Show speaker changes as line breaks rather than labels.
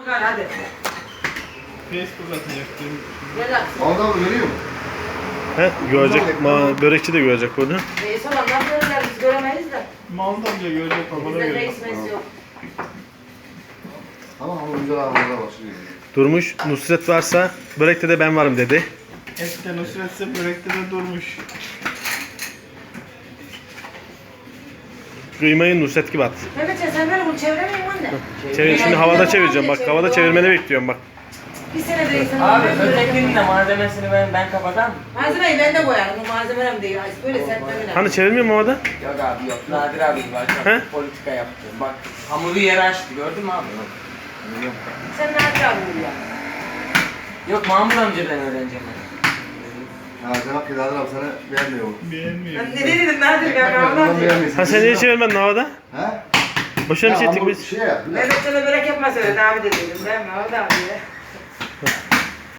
Gel hadi.
Facebook atacaktım.
Gel aksın.
Orada mı görüyor musun?
He, görecek. Börekçi de görecek bunu.
Reis olan nasıl görürler biz göremeyiz de.
Maldan bile görecek babana
Bizde
görecek.
reis mesi yok.
Ama güzel ağırlığa başlıyor.
Durmuş. Nusret varsa börekte de ben varım dedi.
Eskiden Nusret'se börekte de durmuş.
Kıymayı Nusret gibi at.
Mehmetciğim sen böyle bunu çeviremiyorsun anne.
Çevir, şimdi havada çevireceğim bak. Havada çevirmeni bekliyorum bak.
Bir sene reisin.
Abi ötekinin de malzemesini ben kapatam.
Malzemeyi ben de koyarım. Bu malzemem değil. Böyle sertmemeler.
Hani çevirmiyor mu havada?
Yok abi yok. Nadir abi var.
He?
Politika yaptı. Bak hamuru yere açtı gördün mü abi?
Sen ne yapacaksın ya?
Yok Mahmut amcadan öğreneceğim ben.
Ha Cenab-ı Kedadır abi sana beğenmiyor mu?
Beğenmiyor.
Ben ne dedim Nadir ben anlamadım.
Ha sen niye çevirmedin havada?
He?
Boşuna bir şey ettik
hamur
biz.
Şey yap.
Mehmetcan'a börek yapma söyledi abi de dedim. Ben mi? O da abi ya.